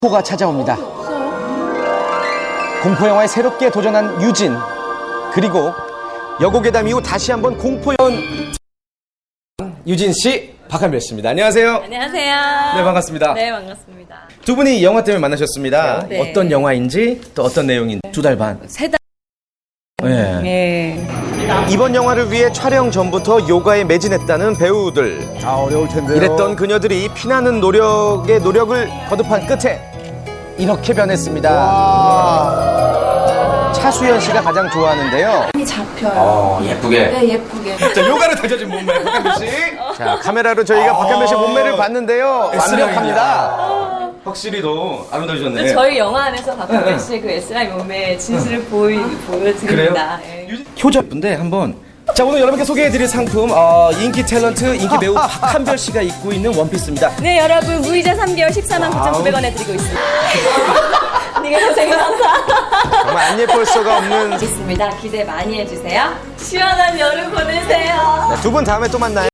공포가 찾아옵니다. 공포영화에 새롭게 도전한 유진, 그리고 여고괴담 이후 다시 한번 공포영화 유진 씨, 박한별 씨입니다. 안녕하세요. 안녕하세요. 네, 반갑습니다. 네, 반갑습니다. 두 분이 영화 때문에 만나셨습니다. 네. 어떤 영화인지 또 어떤 내용인지 2달 반. 3달. 네. 네. 이번 영화를 위해 촬영 전부터 요가에 매진했다는 배우들. 아, 어려울 텐데요. 이랬던 그녀들이 피나는 노력에 노력을 거듭한 끝에 이렇게 변했습니다. 와. 차수연 씨가 가장 좋아하는데요. 많이 잡혀요. 예쁘게. 네, 예쁘게. 자, 요가를 다져진 몸매, 박한별 씨. 자, 카메라로 저희가 박한별 씨 몸매를 봤는데요. 완벽합니다. 확실히 더 아름다우셨네. 저희 영화 안에서 박한별 씨의 그 S라인 몸매의 진실을 보여드립니다. 네. 효자 예쁜데 한번. 자, 오늘 여러분께 소개해드릴 상품, 인기 탤런트, 인기 배우 박한별 씨가 입고 있는 원피스입니다. 네, 여러분 무이자 3개월 149,900원에 드리고 있습니다. 네가 고생했다. 정말 안 예쁠 수가 없는. 있습니다. 기대 많이 해주세요. 시원한 여름 보내세요. 두 분 다음에 또 만나요.